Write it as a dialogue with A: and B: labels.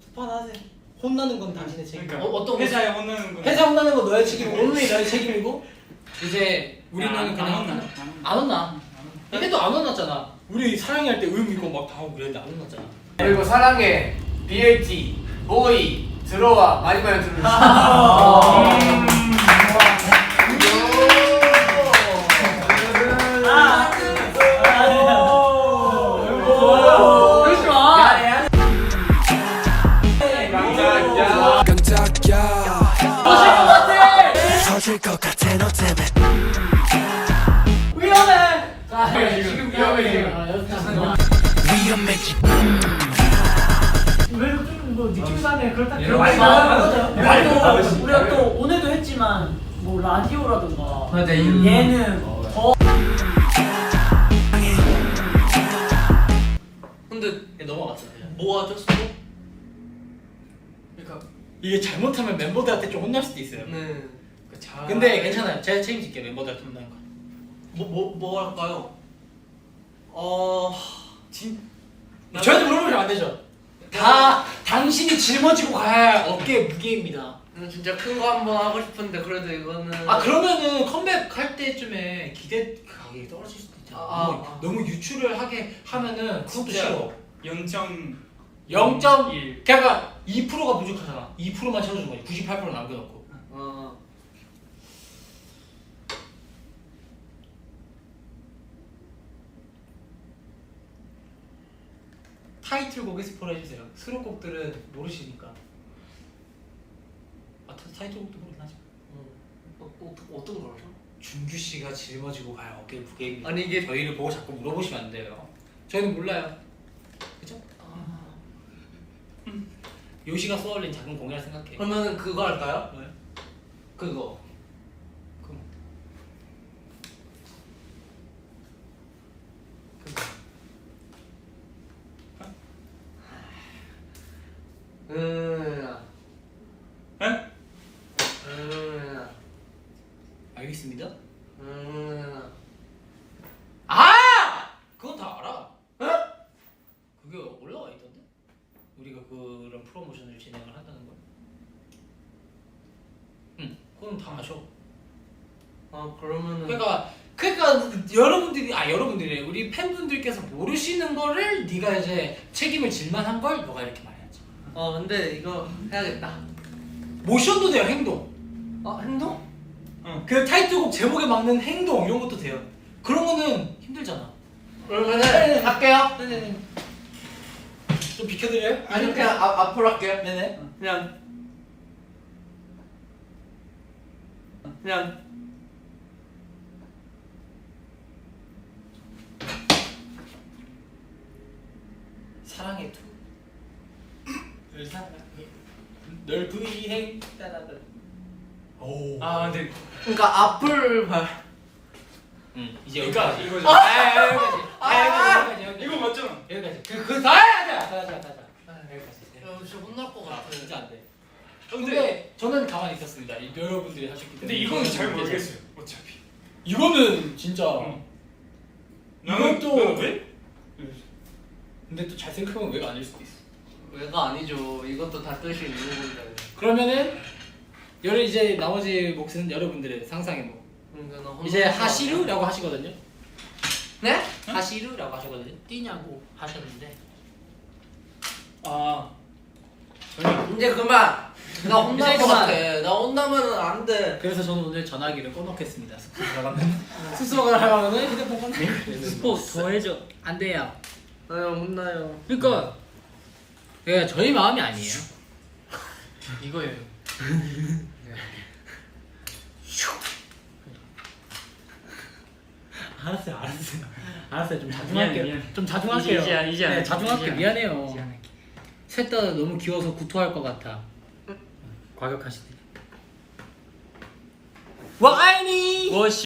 A: 스포 하나 하세요. 혼나는 건 당신의 책임.
B: 그러니까
C: 어떤 거?
B: 회사에 혼나는 건
A: 회사 혼나는 건 너의 책임이고 오늘이 너의 책임이고 이제 우리는
B: 안
A: 그냥
B: 혼나.
A: 안 혼나. 근데도 안 혼났잖아. 우리 사랑이 할 때 음 있고 막 다 하고 그랬는데 안 혼났잖아.
C: 그리고 사랑해 BLT 보이 들어와 많이 들어주세요.
D: 터질 것 같아 너 때문에
A: 위험해.
C: 지금 위험해 지금.
D: 위험해지
E: 왜좀뭐 느낌 사네 그렇다
C: 예,
E: 그런
C: 많이
E: 거
C: 나와요.
E: 말도 우리가 또 오늘도 했지만 뭐 라디오라든가
C: 맞아,
E: 얘는 더
C: 근데
A: 넘어갔어.
C: 뭐 하죠? 그러니까
A: 이게 잘못하면 멤버들한테 좀 혼날 수도 있어요.
C: 네.
A: 근데 괜찮아요. 제가 책임질게요. 멤버들한테 혼나는 거.
C: 뭐 할까요?
A: 저한테 물어보시면 안 되죠. 다 당신이 짊어지고 가야 어깨에 무게입니다.
C: 진짜 큰 거 한번 하고 싶은데 그래도 이거는
A: 아 그러면은 컴백할 때쯤에 기대 가격이 떨어질 수도 있잖아. 너무 유출을 하게 하면은 그것도
C: 진짜.
A: 싫어.
B: 0.1
A: 그러니까 2%가 부족하잖아. 2%만 채워준 거지. 98% 남겨놓고. 타이틀곡에 스포를 해주세요. 수록곡들은 모르시니까. 아 타이틀곡도 모르긴 하지.
C: 어떤 걸 하죠?
A: 준규 씨가 짊어지고 가야 어깨에 무게입니다.
C: 아니, 이게-
A: 저희를 보고 자꾸 물어보시면 안 돼요. 저희는 몰라요. 그죠? 요시가 쏘아올린 작은 공이라 생각해.
C: 그러면 그거 할까요?
A: 왜?
C: 그거
B: 에?
A: 알겠습니다. 아! 그건 다 알아. 그게 올라와 있던데? 우리가 그런 프로모션을 진행을 한다는 걸. 응, 그건 다 아셔.
C: 그러면은
A: 그러니까 여러분들이 우리 팬분들께서 모르시는 거를 네가 이제 책임을 질 만한 걸 너가 이렇게 말해야지.
C: 근데 이거 해야겠다.
A: 모션도 돼요. 행동.
C: 행동?
A: 그 타이틀곡 제목에 맞는 행동 이런 것도 돼요. 그런 거는 힘들잖아.
C: 그러면은 할게요.
A: 네네네. 좀 비켜드려요?
C: 아니 그냥 앞으로 할게요.
A: 네네.
C: 그냥
A: 사랑의 투. 널 사랑해. 널 부위행 따라다. 오.
B: 근데
C: 그러니까 앞을 봐.
A: 응. 이제
B: 그러니까
A: 여기까지.
B: 이거죠.
A: 여기까지.
B: 이거 맞잖아.
A: 여기까지. 그다 해야 돼. 여기까지.
C: 진짜 혼날 것 같아.
A: 진짜 안 돼. 근데 저는 가만히 있었습니다. 여러분들이 하셨기 때문에.
B: 근데 이거는 잘 모르겠어요. 어차피.
A: 이거는 진짜. 이것도
B: 나는 왜?
A: 근데 또 잘 생각하면 왜가 아닐 수도 있어.
C: 왜가 아니죠. 이것도 다 뜻이 있는 건데.
A: 그러면은 이제 나머지 몫은 여러분들의 상상의 몫.
C: 그러니까 나
A: 이제
C: 혼날 것
A: 하시루라고 하시거든요.
C: 네?
A: 하시루라고 하시거든요. 뛰냐고 하셨는데.
C: 이제 그만. 나 혼날
A: 이제
C: 것
A: 그만.
C: 같아. 나 혼나면은 안 돼.
A: 그래서 저는 오늘 전화기를 꺼놓겠습니다. 숙소 가면 숙소 가면은 휴대폰 꺼놓고
E: 스포 더 해줘
A: 안 돼요.
C: 혼나요.
A: 그러니까 저희 마음이 아니에요.
C: 이거예요.
A: 알았어요. 좀 자중할게요.
E: 미안.
A: 좀 자중할게요.
E: 이제
A: 네,
E: 안
A: 자중할게요.
E: 이제
A: 미안해요.
E: 이제 안 할게.
A: 셋 다 너무 귀여워서 구토할 것 같아. 과격하시네. 와이니.
E: 워시